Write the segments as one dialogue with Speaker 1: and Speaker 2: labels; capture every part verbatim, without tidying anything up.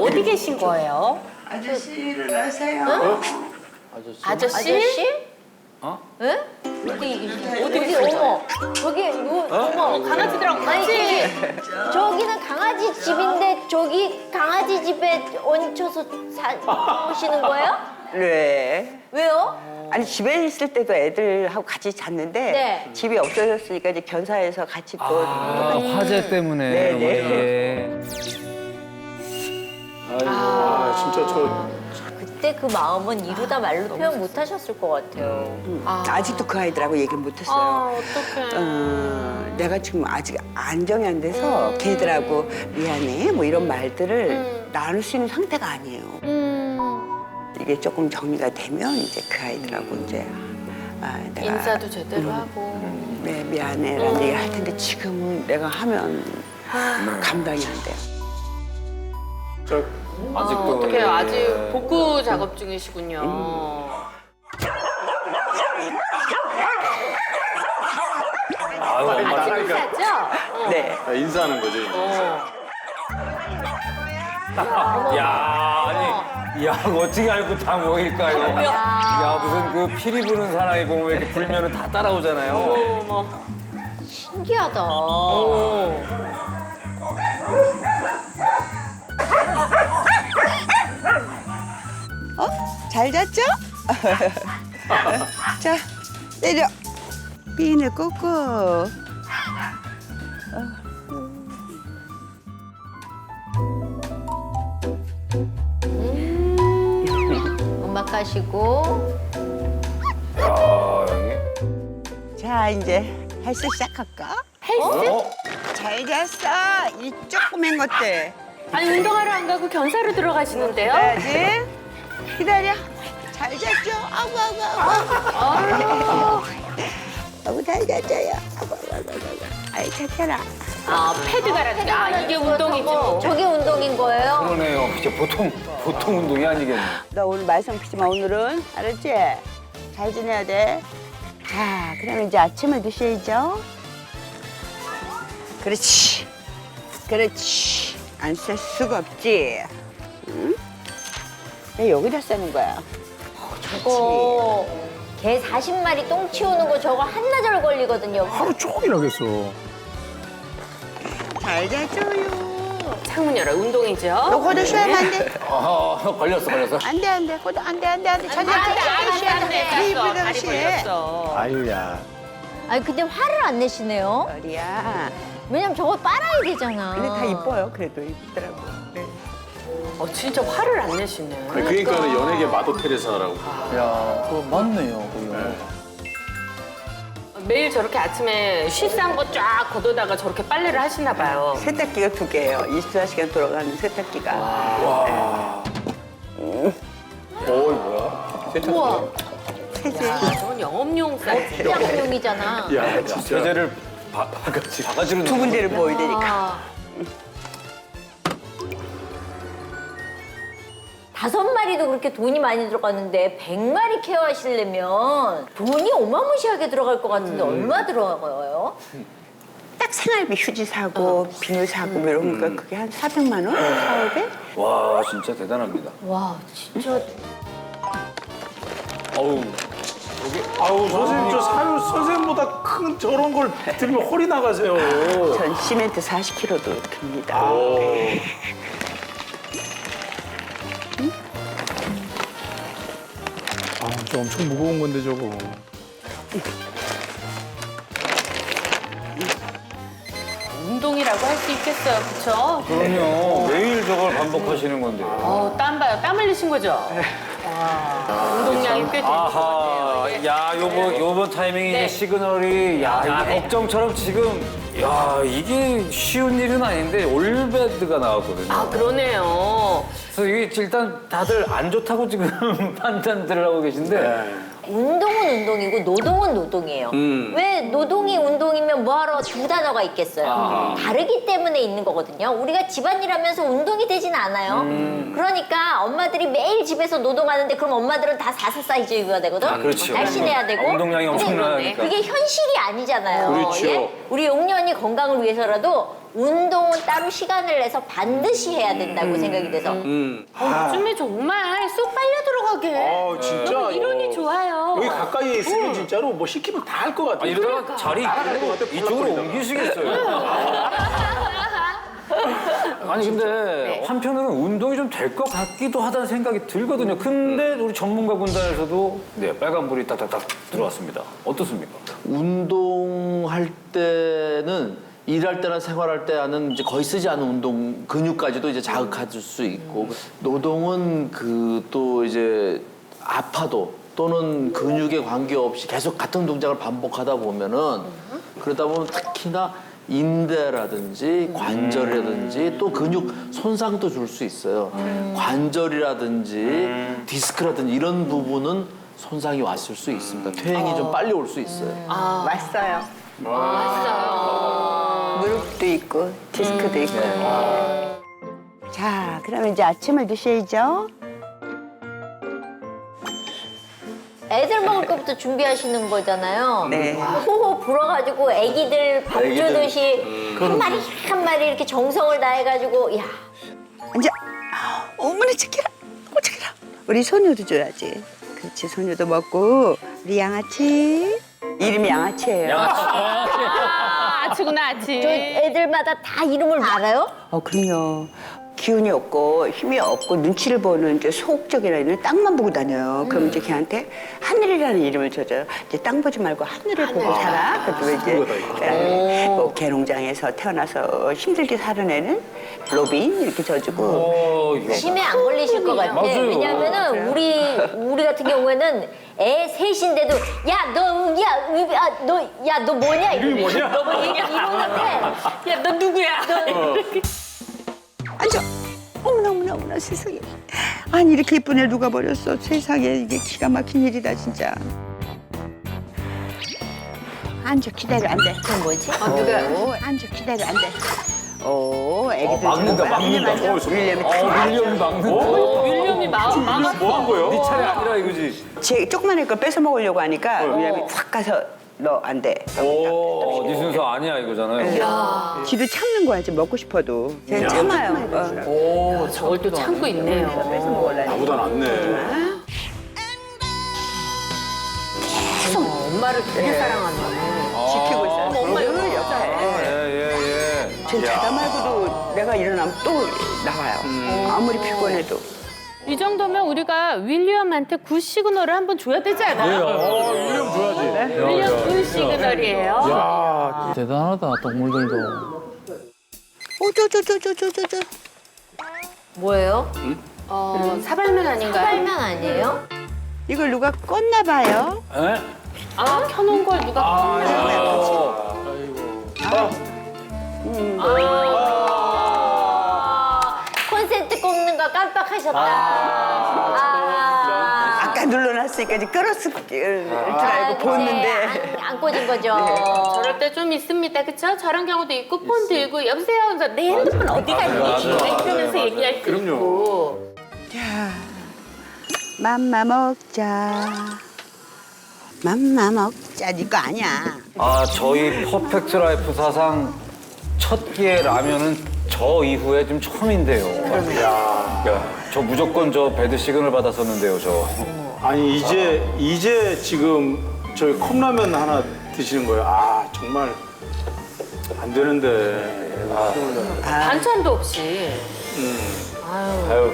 Speaker 1: 어디 계신 거예요?
Speaker 2: 아저씨 일어나세요.
Speaker 3: 어?
Speaker 1: 아저씨?
Speaker 4: 아저씨?
Speaker 3: 어?
Speaker 4: 예? 어디 어디 어머 저기 누 어머
Speaker 1: 강아지들하고
Speaker 4: 아니
Speaker 1: 같이.
Speaker 4: 저기 저기는 강아지 집인데 저기 강아지 집에 얹혀서 사시는 거예요?
Speaker 2: 네.
Speaker 4: 왜요?
Speaker 2: 아니 집에 있을 때도 애들하고 같이 잤는데
Speaker 4: 네.
Speaker 2: 집이 없어졌으니까 이제 견사해서 같이 또
Speaker 3: 아, 화재 때문에.
Speaker 2: 네, 네.
Speaker 3: 예.
Speaker 5: 아, 진짜 저
Speaker 4: 그때 그 마음은 이루다 말로 표현 못 하셨을 것 같아요.
Speaker 2: 음, 아직도 그 아이들하고 얘기를 못 했어요.
Speaker 1: 아, 어떡해.
Speaker 2: 어, 내가 지금 아직 안정이 안 돼서 걔들하고 미안해 뭐 이런 말들을 나눌 수 있는 상태가 아니에요. 이게 조금 정리가 되면 이제 그 아이들하고 이제 아, 내가
Speaker 1: 인사도 제대로 하고.
Speaker 2: 네 미안해라는 얘기를 할 텐데 지금은 내가 하면 감당이 안 돼요.
Speaker 5: 저
Speaker 3: 아직도.
Speaker 1: 어, 어떡해요.
Speaker 3: 예.
Speaker 1: 아직 복구 작업 중이시군요.
Speaker 3: 아유, 엄마.
Speaker 1: 인사죠? 어.
Speaker 2: 네.
Speaker 5: 아, 인사하는 거죠. 이제.
Speaker 1: 어.
Speaker 3: 야, 아니, 야, 어떻게 알고 다 모일까요? 야, 무슨 그 피리 부는 사나이 보면 이렇게 불면은 다 따라오잖아요.
Speaker 1: 어머.
Speaker 4: 신기하다.
Speaker 1: 어.
Speaker 2: 어? 잘 잤죠? 자 내려. 비늘 꽂고.
Speaker 4: 음악 하시고
Speaker 3: 야, 여기.
Speaker 2: 자 이제 헬스 시작할까?
Speaker 1: 헬스?
Speaker 3: 어?
Speaker 2: 잘 잤어 이 조그만 것들.
Speaker 1: 아니, 운동하러 안 가고 견사로 들어가시는데요?
Speaker 2: 해야지. 기다려. 잘 잤죠? 아구 아구 아구. 아구 잘 잤어요. 아구 아구 아구 아구. 아이 착해라.
Speaker 1: 아, 패드 갈아주기. 아, 이게 운동이지 뭐.
Speaker 4: 저게 운동인 거예요?
Speaker 3: 그러네요. 진짜 보통, 보통 운동이 아니겠네.
Speaker 2: 너 오늘 말썽 피지 마 오늘은. 알았지? 잘 지내야 돼. 자 그럼 이제 아침을 드셔야죠. 그렇지. 그렇지. 안 쓸 수가 없지. 응? 왜 여기다 쓰는 거야?
Speaker 4: 저거 개 사십 마리 똥 치우는 거 저거 한나절 걸리거든요.
Speaker 5: 하루 종일 하겠어.
Speaker 2: 잘 자줘요.
Speaker 1: 창문 열어. 운동이죠?
Speaker 2: 너 고도 쉬면 안 돼.
Speaker 3: 아, 걸렸어, 걸렸어.
Speaker 2: 안 돼, 안 돼. 고도 안 돼, 안 돼, 안 돼. 자자,
Speaker 1: 안 돼, 안 돼, 안 돼.
Speaker 2: 네
Speaker 1: 알았어.
Speaker 2: 이쁘다,
Speaker 1: 다리
Speaker 2: 씨.
Speaker 1: 걸렸어.
Speaker 5: 아유야.
Speaker 4: 아니 근데 화를 안 내시네요.
Speaker 2: 머리야.
Speaker 4: 왜냐면 저거 빨아야 되잖아.
Speaker 2: 근데 다 이뻐요. 그래도 이쁘더라고. 네.
Speaker 1: 어, 진짜 화를 안 내시네.
Speaker 5: 그러니까 연예계 마도 테레사라고.
Speaker 3: 야, 그거 맞네요, 그거.
Speaker 1: 매일 저렇게 아침에 쉬싼 거 쫙 걷어다가 저렇게 빨래를 하시나 봐요.
Speaker 2: 세탁기가 두 개예요. 이십사 시간 돌아가는 세탁기가.
Speaker 5: 와. 어, 뭐야? 세탁기.
Speaker 4: 우와,
Speaker 2: 세제.
Speaker 1: 아, 저건 영업용 사이즈.
Speaker 4: 시장용이잖아.
Speaker 5: 야, 진짜.
Speaker 3: 세제를 바, 바가지, 바가지로
Speaker 2: 두 군데를 보여야 되니까.
Speaker 4: 아. 다섯 마리도 그렇게 돈이 많이 들어갔는데 백 마리 케어하시려면 돈이 어마무시하게 들어갈 것 같은데 얼마 들어가요?
Speaker 2: 딱 생활비 휴지 사고, 비누 사고, 뭐 이런 거 그게 한 사백만 원? 사오백?
Speaker 3: 와, 진짜 대단합니다.
Speaker 4: 와 진짜
Speaker 3: 어우,
Speaker 5: 아우, 선생님, 저 사유 선생님보다 큰 저런 걸 들면 허리 나가세요.
Speaker 2: 전 시멘트 사십 킬로그램도 듭니다.
Speaker 5: 아, 진짜 엄청 무거운 건데, 저거.
Speaker 1: 운동이라고 할 수 있겠어요, 그쵸?
Speaker 3: 그럼요. 매일 저걸 반복하시는 건데.
Speaker 1: 어, 땀 봐요. 땀 흘리신 거죠? 와, 운동량이 꽤 되는 것
Speaker 3: 아하,
Speaker 1: 같아요. 예.
Speaker 3: 야, 요번, 요번 타이밍에
Speaker 1: 네.
Speaker 3: 이제 시그널이, 야,
Speaker 1: 아,
Speaker 3: 이
Speaker 1: 네.
Speaker 3: 걱정처럼 지금, 야, 이게 쉬운 일은 아닌데, 올베드가 나왔거든요.
Speaker 1: 아, 그러네요.
Speaker 3: 그래서 이게 일단 다들 안 좋다고 지금 판단들을 하고 계신데,
Speaker 4: 운동은 운동이고 노동은 노동이에요.
Speaker 3: 음.
Speaker 4: 왜 노동이 운동이면 뭐하러 두 단어가 있겠어요.
Speaker 3: 아.
Speaker 4: 다르기 때문에 있는 거거든요. 우리가 집안일 하면서 운동이 되진 않아요.
Speaker 3: 음.
Speaker 4: 그러니까 엄마들이 매일 집에서 노동하는데 그럼 엄마들은 다 사사 사이즈 입어야 되거든.
Speaker 3: 아, 그렇죠.
Speaker 4: 날씬해야 되고.
Speaker 3: 운동량이
Speaker 4: 근데
Speaker 3: 엄청나니까.
Speaker 4: 그게 현실이 아니잖아요.
Speaker 5: 그렇죠.
Speaker 4: 예? 우리 용년이 건강을 위해서라도 운동은 따로 시간을 내서 반드시 해야 된다고 생각이 돼서
Speaker 5: 음.
Speaker 1: 어, 요즘에 정말 쏙 빨려 들어가게.
Speaker 5: 아, 진짜.
Speaker 1: 너무 이론이 좋아요.
Speaker 5: 여기 가까이에 있으면 진짜로 뭐 시키면 다 할 것 같아.
Speaker 3: 아, 이러다가 자리 이쪽으로 옮기시겠어요. 아니 근데 한편으로는 운동이 좀 될 것 같기도 하다는 생각이 들거든요. 근데 우리 전문가 군단에서도 네, 빨간불이 딱딱딱 들어왔습니다. 어떻습니까?
Speaker 6: 운동할 때는 일할 때나 생활할 때는 이제 거의 쓰지 않은 운동 근육까지도 이제 자극할 수 있고 노동은 그 또 이제 아파도 또는 근육에 관계없이 계속 같은 동작을 반복하다 보면은 그러다 보면 특히나 인대라든지 관절이라든지 또 근육 손상도 줄 수 있어요. 관절이라든지 디스크라든지 이런 부분은 손상이 왔을 수 있습니다. 퇴행이 좀 빨리 올 수 있어요.
Speaker 2: 왔어요.
Speaker 1: 맞아요.
Speaker 2: 무릎도 있고 디스크도 있고. 자, 그러면 이제 아침을 드셔야죠.
Speaker 4: 애들 먹을 것부터 준비하시는 거잖아요.
Speaker 2: 네.
Speaker 4: 호호 불어가지고 애기들 밥
Speaker 6: 애기들.
Speaker 4: 주듯이 한 마리 한 마리 이렇게 정성을 다해가지고 야
Speaker 2: 앉아. 어머니 착해라. 어, 착해라. 우리 소녀도 줘야지. 그렇지, 소녀도 먹고. 우리 양아치. 이름이 양아치예요.
Speaker 1: 아, 아치구나, 아치.
Speaker 4: 저 애들마다 다 이름을 알아요?
Speaker 2: 어, 그럼요. 기운이 없고 힘이 없고 눈치를 보는 이제 소극적인 아이는 땅만 보고 다녀요. 그럼 이제 걔한테 하늘이라는 이름을 줘줘요. 이제 땅 보지 말고 하늘을 보고 살아. 그래도 이제 뭐 개농장에서 태어나서 힘들게 사는 애는 로빈 이렇게 져주고.
Speaker 3: 어, 이거.
Speaker 4: 치매 안 걸리실 것 같아.
Speaker 3: 맞아요.
Speaker 4: 왜냐면은 우리 우리 같은 경우에는 애 셋인데도 야 너 야 너 야 너 뭐냐 이름이
Speaker 5: 뭐냐?
Speaker 4: 너 뭐냐 이러는데
Speaker 1: 야, 너 누구야?
Speaker 2: 앉아. 어머나 어머나 어머나 세상에. 아니 이렇게 예쁜 애 누가 버렸어. 세상에 이게 기가 막힌 일이다 진짜. 앉아 기다려 안 돼.
Speaker 4: 그건 뭐지?
Speaker 2: 오, 앉아 기다려 안 돼. 오, 애기들
Speaker 3: 어, 막는다,
Speaker 2: 좀 빨리
Speaker 3: 막는다.
Speaker 2: 만져.
Speaker 5: 어, 저-
Speaker 2: 윌리엄이
Speaker 3: 어, 윌리엄이 막는다.
Speaker 1: 윌리엄이 마, 막았어.
Speaker 5: 뭐 한 거예요?
Speaker 3: 네 차례 아니라 이거지.
Speaker 2: 제 조그만 애걸 뺏어 먹으려고 하니까 윌리엄이 확 가서 너 안 돼.
Speaker 3: 어, 네 순서 아니야 이거잖아요.
Speaker 2: 지도 참는 거야 지금 먹고 싶어도. 쟤 참아요. 어.
Speaker 3: 오,
Speaker 1: 저걸 또 참고 있네요.
Speaker 2: 뺏어 먹으려니.
Speaker 5: 나보다 낫네.
Speaker 1: 엄마를 되게 사랑한다.
Speaker 2: 지키고 있어요.
Speaker 1: 엄마
Speaker 2: 늘 옆에.
Speaker 3: 예예 예.
Speaker 2: 쟤 자다 말고도 내가 일어나면 또 나와요. 아무리 피곤해도.
Speaker 1: 이 정도면 우리가 윌리엄한테 굿 시그널을 한번 줘야 되지 않아요?
Speaker 5: 어, 윌리엄 줘야지.
Speaker 1: 윌리엄 굿 시그널이에요.
Speaker 7: 대단하다 동물들도.
Speaker 2: 오저저저저저저.
Speaker 4: 뭐예요?
Speaker 1: 어, 사발면 아닌가요?
Speaker 4: 빨면 아니에요?
Speaker 2: 이걸 누가 껐나 봐요.
Speaker 3: 에?
Speaker 1: 아, 켜놓은 걸 누가 껐나?
Speaker 4: 아, 콘센트 꼽는 거 깜빡하셨다. 아,
Speaker 2: 아까 눌러놨으니까 이제 끌었을 줄 알고 보는데.
Speaker 4: 안, 안 꽂은 거죠.
Speaker 1: 저럴 때 좀 있습니다, 그쵸? 저런 경우도 있고 폰 들고 여보세요 하면서 내 핸드폰 어디 갔니? 이러면서 얘기할 수 있고.
Speaker 2: 자, 맘마 먹자. 맘마 먹자. 네 거 아니야.
Speaker 3: 아 저희 퍼펙트 라이프 사상 첫 끼의 라면은 저 이후에 좀 처음인데요. 야, 저 무조건 저 배드 시그널 받았었는데요, 저.
Speaker 5: 아니 이제 이제 지금 저희 컵라면 하나 드시는 거예요. 아 정말 안 되는데. 아,
Speaker 1: 반찬도 없이.
Speaker 3: 아유.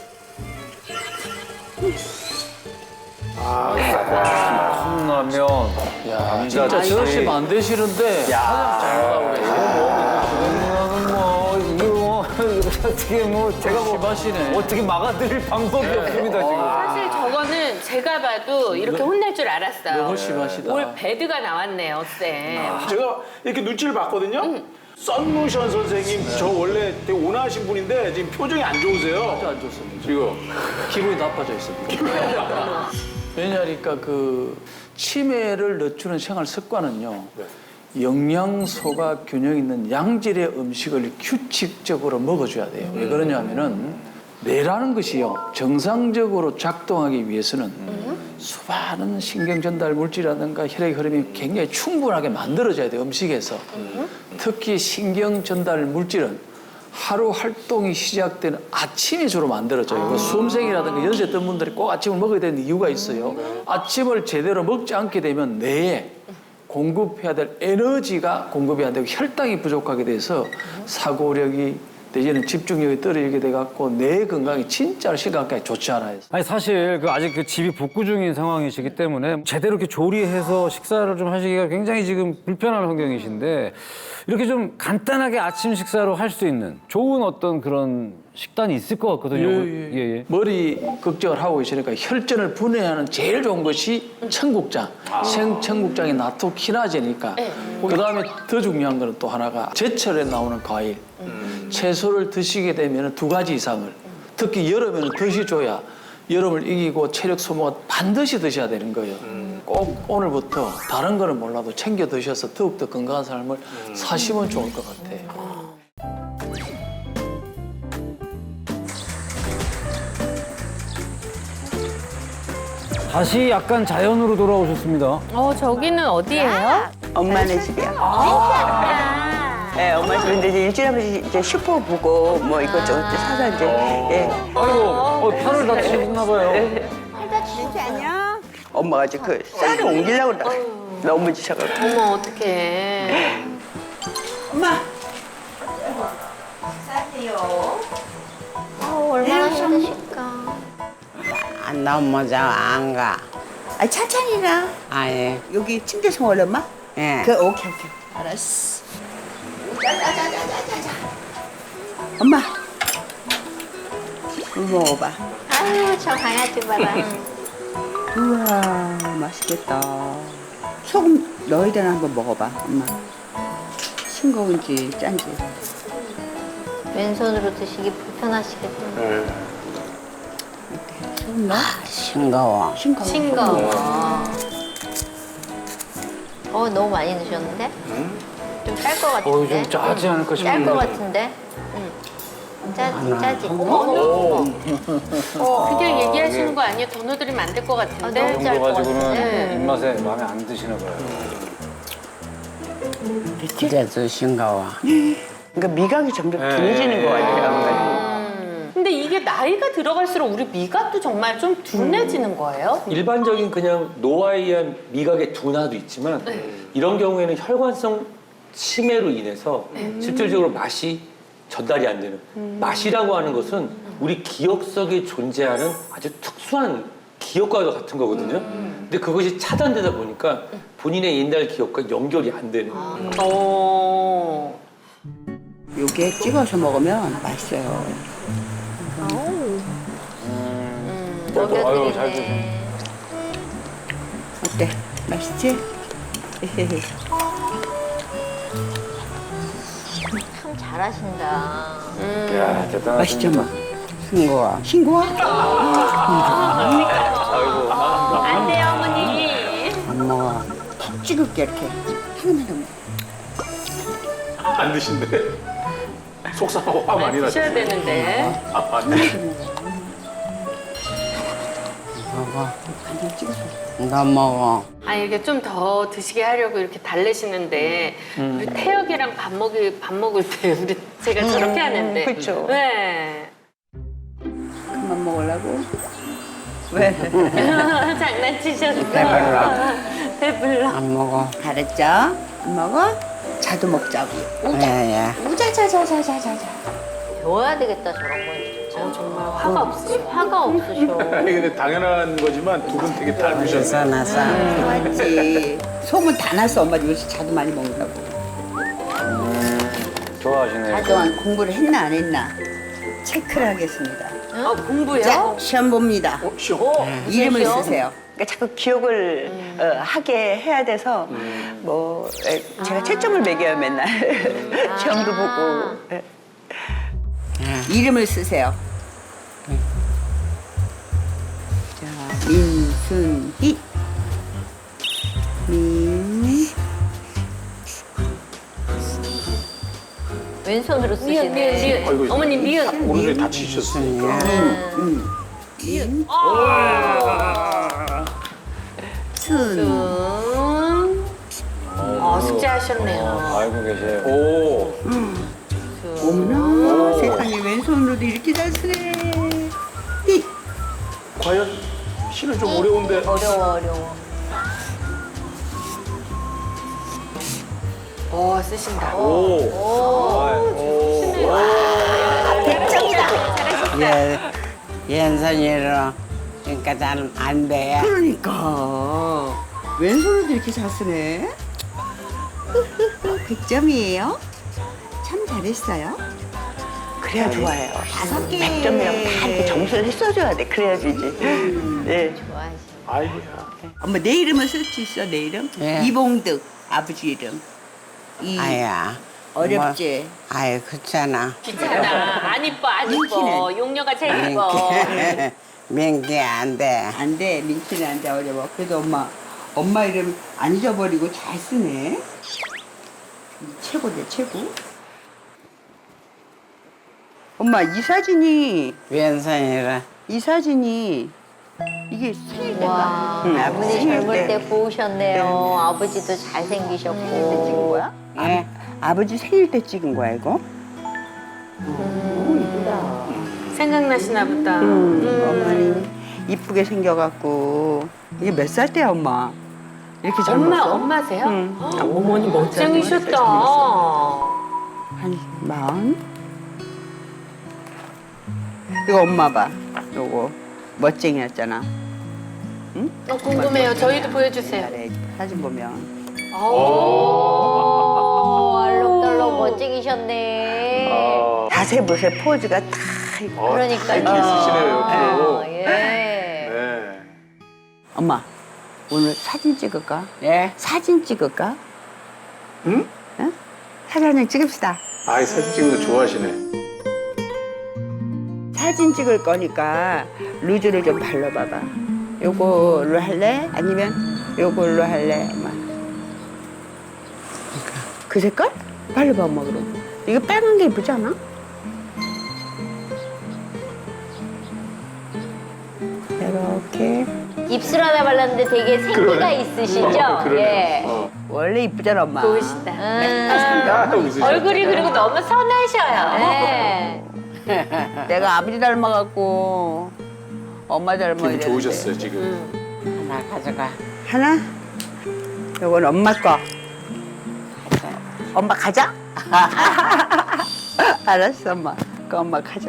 Speaker 3: 컵라면,
Speaker 7: 진짜
Speaker 3: 감자칩.
Speaker 7: 저러시면 안 되시는데 사장 잘하고 그래.
Speaker 3: 뭐 이거 뭐 어떻게 뭐 제가 뭐
Speaker 7: 심하시네.
Speaker 3: 어떻게 막아드릴 방법이 없습니다 지금.
Speaker 1: 사실 저거는 제가 봐도 이렇게 혼날 줄 알았어요.
Speaker 7: 너무 심하시다.
Speaker 1: 올 배드가 나왔네요, 쌤.
Speaker 5: 제가 이렇게 눈치를 봤거든요. 썬루션 선생님 저 원래 되게 온화하신 분인데 지금 표정이 안 좋으세요.
Speaker 7: 안 좋습니다.
Speaker 5: 지금.
Speaker 7: 기분이 나빠져 있습니다. 왜냐하니까 그 치매를 늦추는 생활 습관은요. 영양소가 균형 있는 양질의 음식을 규칙적으로 먹어줘야 돼요. 왜 그러냐면은 뇌라는 것이요 정상적으로 작동하기 위해서는 수많은 신경 전달 물질이라든가 혈액 흐름이 굉장히 충분하게 만들어져야 돼요 음식에서. 특히 신경 전달 물질은 하루 활동이 시작되는 아침이 주로 만들어져요. 그 수험생이라든가 연세 뜬 분들이 꼭 아침을 먹어야 되는 이유가 있어요. 아침을 제대로 먹지 않게 되면 뇌에 공급해야 될 에너지가 공급이 안 되고 혈당이 부족하게 돼서 사고력이 내지는 집중력이 떨어지게 돼갖고 뇌 건강이 진짜로 심각하게 좋지 않아요.
Speaker 3: 아니 사실 그 아직 그 집이 복구 중인 상황이시기 때문에 제대로 이렇게 조리해서 식사를 좀 하시기가 굉장히 지금 불편한 환경이신데 이렇게 좀 간단하게 아침 식사로 할 수 있는 좋은 어떤 그런 식단이 있을 것 같거든요.
Speaker 7: 예, 예.
Speaker 3: 예, 예.
Speaker 7: 머리 걱정을 하고 계시니까 혈전을 분해하는 제일 좋은 것이 청국장. 생 청국장이 나토키나제니까. 그 다음에 더 중요한 거는 또 하나가 제철에 나오는 과일. 채소를 드시게 되면 두 가지 이상을. 특히 여름에는 드셔줘야 여름을 이기고 체력 소모가 반드시 드셔야 되는 거예요. 꼭 오늘부터 다른 거는 몰라도 챙겨 드셔서 더욱더 건강한 삶을 사시면 좋을 것 같아요.
Speaker 3: 다시 약간 자연으로 돌아오셨습니다.
Speaker 1: 어, 저기는 어디예요?
Speaker 2: 엄마네 집이야. 네, 엄마 집인데 이제 일주일에 한 번씩 이제 슈퍼 보고 뭐 이것저것 사서 이제 예.
Speaker 3: 아이고, 어, 팔을 다치셨나 봐요.
Speaker 2: 진짜 안녕. 엄마가 이제 그 쌀을 옮기려고 그러다 넘어지셔가지고.
Speaker 1: 어머, 어떡해.
Speaker 2: 엄마.
Speaker 4: 어, 얼마나 힘드실까.
Speaker 8: 안 넘어져 안 가.
Speaker 2: 아 천천히 가.
Speaker 8: 아예.
Speaker 2: 여기 침대에서 먹을래 엄마?
Speaker 8: 예.
Speaker 2: 그 오케이 오케이. 알았어. 자자자자자자. 엄마. 이거 먹어봐.
Speaker 4: 아유, 저 강아지 봐라.
Speaker 2: 우와 맛있겠다. 소금 넣어야 되나 한번 먹어봐 엄마. 싱거운지 짠지.
Speaker 4: 왼손으로 드시기 불편하시겠다.
Speaker 2: 소금 넣어?
Speaker 8: 싱거워.
Speaker 2: 싱거워.
Speaker 4: 싱거워. 어, 너무 많이 넣으셨는데? 좀 짤 것 같은데?
Speaker 3: 어, 좀 짜지 않을까 싶은데.
Speaker 4: 짤 것 같은데? 응. 짜, 짜지.
Speaker 1: 그냥 얘기하시는 거 아니에요? 더 넣어드리면 안 될 것
Speaker 4: 아,
Speaker 1: 같은데?
Speaker 4: 너무
Speaker 3: 정도
Speaker 4: 짤 것
Speaker 3: 가지고는
Speaker 4: 같은데?
Speaker 3: 입맛에 마음에 안 드시나 봐요.
Speaker 8: 그래도 싱거워.
Speaker 2: 그러니까 미각이 점점 둔해지는 것 같아요.
Speaker 1: 근데 이게 나이가 들어갈수록 우리 미각도 정말 좀 둔해지는 거예요?
Speaker 9: 일반적인 그냥 노화에 의한 미각의 둔화도 있지만 이런 경우에는 혈관성 치매로 인해서 실질적으로 맛이 전달이 안 되는 맛이라고 하는 것은 우리 기억 속에 존재하는 아주 특수한 기억과도 같은 거거든요. 근데 그것이 차단되다 보니까 본인의 옛날 기억과 연결이 안 되는.
Speaker 1: 어.
Speaker 2: 요게 찍어서 먹으면 맛있어요.
Speaker 3: 아유, 잘 드세요.
Speaker 4: 먹여드리네.
Speaker 2: 어때? 맛있지?
Speaker 4: 참 잘하신다.
Speaker 3: 야, 대단하십니다.
Speaker 2: 맛있죠, 엄마?
Speaker 8: 싱거워.
Speaker 2: 싱거워?
Speaker 1: 안 돼요, 어머니.
Speaker 8: 안 먹어.
Speaker 2: 푹 찍을게, 이렇게. 하나만 더 먹어.
Speaker 5: 안 드신대. 속상하고 화 많이 나죠.
Speaker 1: 드셔야 되는데.
Speaker 8: 먹어.
Speaker 2: 간장 찍어서.
Speaker 8: 너 먹어.
Speaker 1: 아 이게 좀 더 드시게 하려고 이렇게 달래시는데 우리 태혁이랑 밥 먹을 밥 먹을 때 우리 제가 저렇게 하는데.
Speaker 2: 그쵸.
Speaker 1: 네.
Speaker 2: 그만 먹으려고? 왜?
Speaker 1: 장난치셨어.
Speaker 8: 배불러.
Speaker 1: 배불러.
Speaker 8: 안 먹어.
Speaker 2: 잘했죠? 안 먹어? 자도 먹자고.
Speaker 8: 예예.
Speaker 2: 우자자자자자자자.
Speaker 4: 배워야 되겠다, 저런 건 진짜.
Speaker 1: 어, 정말 화가 없으셔.
Speaker 4: 화가 없으셔.
Speaker 5: 아니 근데 당연한 거지만 두 분 되게 닮으셨어요.
Speaker 8: 싸나싸.
Speaker 2: 맞지. 소문 다 났어, 엄마 요새 자도 많이 먹는다고.
Speaker 3: 좋아하시네요.
Speaker 2: 그동안 공부를 했나 안 했나 체크를 하겠습니다.
Speaker 1: 어, 공부요?
Speaker 2: 자, 시험 봅니다.
Speaker 5: 어, 시험.
Speaker 2: 이름을
Speaker 4: 시험?
Speaker 2: 쓰세요. 그러니까 자꾸 기억을 어, 하게 해야 돼서 뭐 에, 제가 채점을 매겨요 맨날. 시험도 보고. 예. 이름을 쓰세요. 자, 민순희. 민.
Speaker 4: 왼손으로
Speaker 1: 미연, 미연,
Speaker 4: 쓰시네.
Speaker 1: 미연.
Speaker 5: 아이고,
Speaker 1: 어머니 미연.
Speaker 5: 오른손이 다치셨으니까.
Speaker 2: 순.
Speaker 1: 순. 어, 숙제하셨네요.
Speaker 3: 알고 계세요.
Speaker 5: 오.
Speaker 2: 어머나 세상에 왼손으로도 이렇게 잘 쓰네. 이.
Speaker 5: 과연 시는 좀 어려운데.
Speaker 4: 어려워 어려워.
Speaker 1: 오, 쓰신다.
Speaker 5: 오.
Speaker 8: 예, 왼손이로 그러니까 나는 안 돼.
Speaker 2: 그러니까 왼손으로도 이렇게 잘 쓰네. 백 점이에요. 참 잘했어요. 그래야 좋아요. 다섯 개. 백 점이라고 다 이렇게 점수를 써줘야 돼. 그래야지 이제. 네.
Speaker 5: 아이고야.
Speaker 2: 엄마 내 이름을 쓸 수 있어. 내 이름?
Speaker 8: 예.
Speaker 2: 이봉득 아버지 이름. 이
Speaker 8: 아야.
Speaker 2: 어렵지.
Speaker 8: 뭐, 아유 그렇잖아.
Speaker 1: 귀찮아. 안 이뻐, 안 이뻐.
Speaker 2: 민키는?
Speaker 1: 용녀가 제일 이뻐.
Speaker 8: 민기 안 돼.
Speaker 2: 안 돼. 민키는 안 돼. 어려워. 그래도 엄마 엄마 이름 안 잊어버리고 잘 쓰네. 최고네 최고. 엄마 이 사진이
Speaker 8: 왼손이라.
Speaker 2: 이 사진이 이게 생일 때가
Speaker 4: 와
Speaker 2: 응,
Speaker 4: 아버지
Speaker 2: 생일
Speaker 4: 젊을 때
Speaker 2: 때.
Speaker 4: 고우셨네요. 아버지도 잘생기셨고.
Speaker 2: 찍은 거야?
Speaker 8: 예.
Speaker 2: 아버지 생일 때 찍은 거야 이거?
Speaker 1: 생각나시나 보다.
Speaker 2: 음, 어머니 이쁘게 생겨갖고 이게 몇 살 때야 엄마? 이렇게
Speaker 1: 엄마,
Speaker 2: 젊었어?
Speaker 1: 엄마세요?
Speaker 2: 응.
Speaker 1: 헉, 어머니 멋쟁이셨다.
Speaker 2: 한 마흔? 이거 엄마 봐. 요거 멋쟁이였잖아.
Speaker 1: 어, 궁금해요. 저희도 보여주세요.
Speaker 2: 잘해. 사진 보면.
Speaker 4: 오, 알록달록 멋쟁이셨네.
Speaker 2: 자세 보세요. 포즈가 다 있고.
Speaker 4: 그러니까요.
Speaker 5: 이렇게 쓰시네요, 옆으로.
Speaker 4: 아, 예.
Speaker 5: 네.
Speaker 2: 엄마 오늘 사진 찍을까?
Speaker 8: 예.
Speaker 2: 사진 찍을까?
Speaker 5: 응?
Speaker 2: 응? 사진 한 장 찍읍시다.
Speaker 5: 아이 사진 찍는 거 좋아하시네.
Speaker 2: 사진 찍을 거니까 루즈를 좀 발라봐봐. 요걸로 할래? 아니면 요걸로 할래? 엄마. 그 색깔? 발라봐 엄마 그럼. 이거 빨간 게 예쁘지 않아? 이렇게.
Speaker 4: 입술 하나 발랐는데 되게 생기가 있으시죠?
Speaker 5: 그러네.
Speaker 4: 예.
Speaker 5: 어.
Speaker 2: 원래 이쁘잖아 엄마.
Speaker 1: 좋으시다.
Speaker 4: 음.
Speaker 5: 야, 웃으시네.
Speaker 1: 얼굴이 그리고 너무 선하셔요.
Speaker 4: 네.
Speaker 2: 내가 아버지 닮아갖고 엄마 닮아야
Speaker 5: 기분
Speaker 2: 되는데.
Speaker 5: 좋으셨어요 지금.
Speaker 8: 하나 가져가.
Speaker 2: 하나? 요건 엄마 거. 엄마 가자. 알았어 엄마. 그 엄마 가자.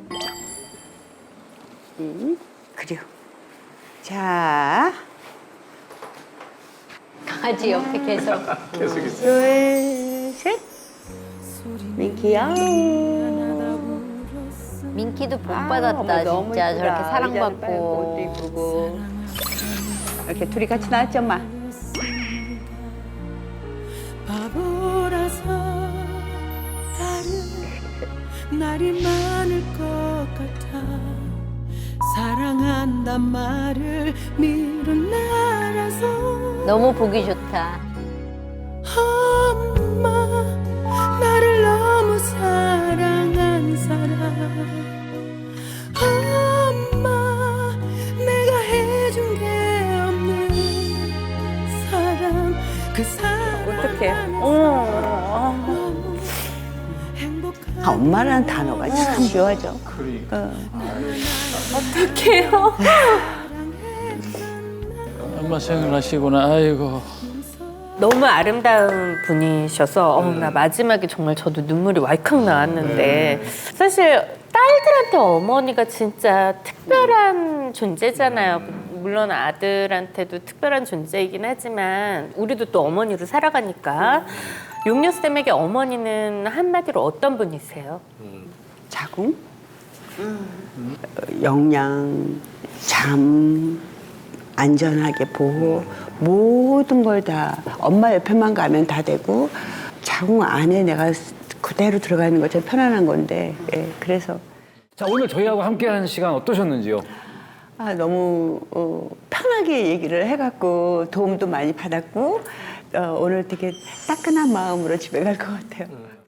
Speaker 2: 응, 그래요. 자,
Speaker 4: 강아지 옆에 계속.
Speaker 5: 계속 있어.
Speaker 2: 둘, 셋. 민키야.
Speaker 4: 민키도 복
Speaker 2: 아,
Speaker 4: 받았다
Speaker 2: 어머, 너무
Speaker 4: 진짜
Speaker 2: 이쁘다.
Speaker 4: 저렇게
Speaker 2: 의자는
Speaker 4: 사랑받고.
Speaker 2: 빨고 옷도 이쁘고. 이렇게 둘이 같이 나왔지 엄마.
Speaker 10: 바보라서 다른 날이 많을 것 같아 사랑한단 말을 미룬 나라서
Speaker 4: 너무 보기 좋다.
Speaker 10: 엄마 나를 너무 사랑한 사람 엄마 내가 해준 게 없는 사람 그 사람
Speaker 2: 어떡해.
Speaker 10: 너무 행복한
Speaker 2: 아, 엄마라는 단어가 참 묘하죠.
Speaker 5: 그러니까.
Speaker 1: 어떡해요?
Speaker 7: 엄마 생각나시구나. 아이고.
Speaker 1: 너무 아름다운 분이셔서 어, 나 마지막에 정말 저도 눈물이 왈칵 나왔는데 사실 딸들한테 어머니가 진짜 특별한 존재잖아요. 물론 아들한테도 특별한 존재이긴 하지만 우리도 또 어머니로 살아가니까 용녀쌤에게 어머니는 한마디로 어떤 분이세요?
Speaker 2: 자궁, 어, 영양, 잠, 안전하게 보호, 모든 걸 다 엄마 옆에만 가면 다 되고 자궁 안에 내가 그대로 들어가는 것처럼 편안한 건데 예, 그래서
Speaker 3: 자, 오늘 저희하고 함께하는 시간 어떠셨는지요?
Speaker 2: 아, 너무 어, 편하게 얘기를 해갖고 도움도 많이 받았고 어, 오늘 되게 따끈한 마음으로 집에 갈 것 같아요.